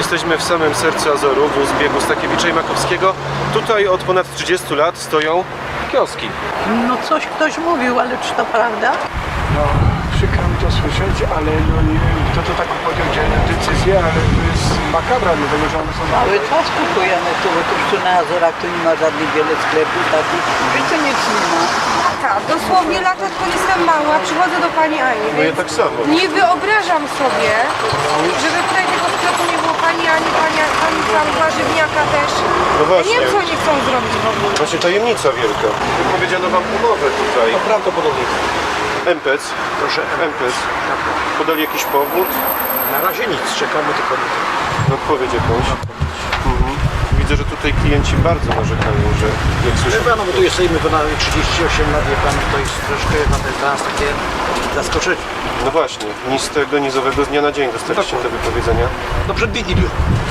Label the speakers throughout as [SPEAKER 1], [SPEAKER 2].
[SPEAKER 1] Jesteśmy w samym sercu Azorów, wóz biegu Stakiewicza i Makowskiego. Tutaj od ponad 30 lat stoją kioski.
[SPEAKER 2] No coś ktoś mówił, ale czy to prawda?
[SPEAKER 3] No, przykro mi to słyszeć, ale no, nie wiem, kto to taką podjął decyzję, ale to jest makabra, dlatego że one są...
[SPEAKER 2] Cały czas kupujemy tu, bo tu na Azorach tu nie ma żadnych wiele sklepów takich, że to nic nie ma.
[SPEAKER 4] Tak, dosłownie lata, odkąd jestem mała, przychodzę do pani Ani,
[SPEAKER 1] No ja
[SPEAKER 4] więc
[SPEAKER 1] tak samo.
[SPEAKER 4] nie wyobrażam sobie, żeby tutaj tego sklepu nie było pani Ani, pani tam warzywniaka też.
[SPEAKER 1] No
[SPEAKER 4] Ja
[SPEAKER 1] właśnie.
[SPEAKER 4] nie wiem, co oni chcą zrobić w ogóle.
[SPEAKER 1] Właśnie tajemnica wielka. Wypowiedziano wam umowę tutaj.
[SPEAKER 3] No prawdopodobnie.
[SPEAKER 1] MPC.
[SPEAKER 3] Proszę.
[SPEAKER 1] MPC. Podali jakiś powód?
[SPEAKER 3] Na razie nic, czekamy tylko na to.
[SPEAKER 1] Odpowiedź jakąś. Widzę, że tutaj klienci bardzo narzekają, że jak słyszę...
[SPEAKER 5] Wie pan, no bo tu jesteśmy ponad 38 lat, wie pan, to jest troszkę dla nas takie zaskoczenie.
[SPEAKER 1] No właśnie, ni z tego nizowego z dnia na dzień dostaliście te wypowiedzenia.
[SPEAKER 5] No przed Wigilią.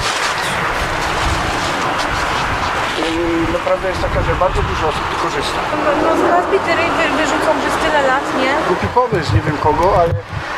[SPEAKER 3] No prawda jest taka, że bardzo dużo osób tu korzysta.
[SPEAKER 4] No z nas bitery wyrzucą przez tyle lat, nie?
[SPEAKER 3] Głupi pomysł, nie wiem kogo, ale...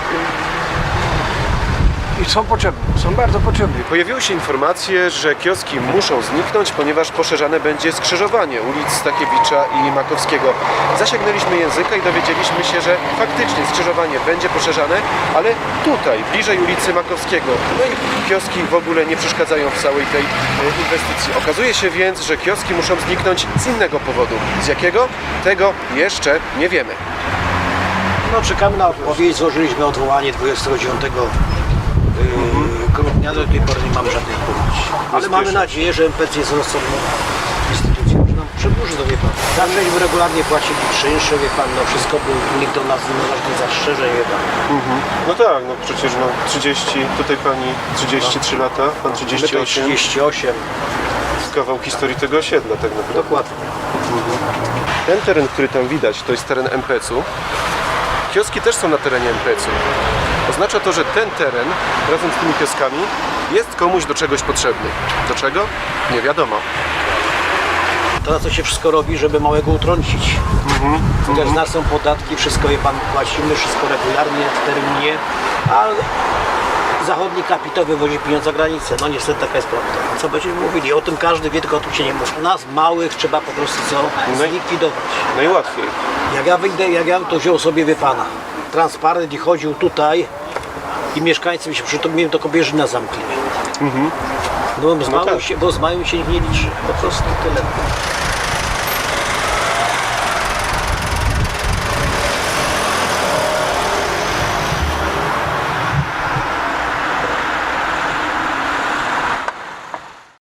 [SPEAKER 3] I są potrzebne, są bardzo potrzebne.
[SPEAKER 1] Pojawiły się informacje, że kioski muszą zniknąć, ponieważ poszerzane będzie skrzyżowanie ulic Stakiewicza i Makowskiego. Zasięgnęliśmy języka i dowiedzieliśmy się, że faktycznie skrzyżowanie będzie poszerzane, ale tutaj, bliżej ulicy Makowskiego. No i kioski w ogóle nie przeszkadzają w całej tej inwestycji. Okazuje się więc, że kioski muszą zniknąć z innego powodu. Z jakiego? Tego jeszcze nie wiemy.
[SPEAKER 5] No czekamy na odpowiedź, złożyliśmy odwołanie 29 grudnia, do tej pory nie mamy żadnej odpowiedzi. Ale mamy nadzieję, że MPC jest rozsądną instytucją, że nam przedłuży to, wie pan. Zawsze regularnie płacili czynsze, wie pan, no wszystko, był, nikt do nas nie ma żadnych zastrzeżeń, wie pan.
[SPEAKER 1] No tak, no przecież no 30, tutaj pani 33 lata, pan
[SPEAKER 5] My to
[SPEAKER 1] 38.
[SPEAKER 5] 38,
[SPEAKER 1] Kawał historii tego osiedla tak naprawdę.
[SPEAKER 5] dokładnie.
[SPEAKER 1] Ten teren, który tam widać, to jest teren MPC-u. Kioski też są na terenie MPC-u. Oznacza to, że ten teren razem z tymi kioskami jest komuś do czegoś potrzebny. Do czego? Nie wiadomo.
[SPEAKER 5] To na co się wszystko robi, żeby małego utrącić. Chociaż z nas są podatki, wszystko, wie pan, płacimy, wszystko regularnie, w terminie, a zachodni kapitał wywozi pieniądze za granicę. No niestety taka jest prawda. Co będziemy mówili? O tym każdy wie, tylko o tym się nie mówi. Nas małych trzeba po prostu co? Zlikwidować.
[SPEAKER 1] Najłatwiej.
[SPEAKER 5] Jak ja wyjdę, jak ja bym to wziął sobie, wie pana, transparent i chodził tutaj i mieszkańcy mi się mnie to Kobierzyna zamkli. No, bo z małym się nikt nie liczy. Po prostu tyle.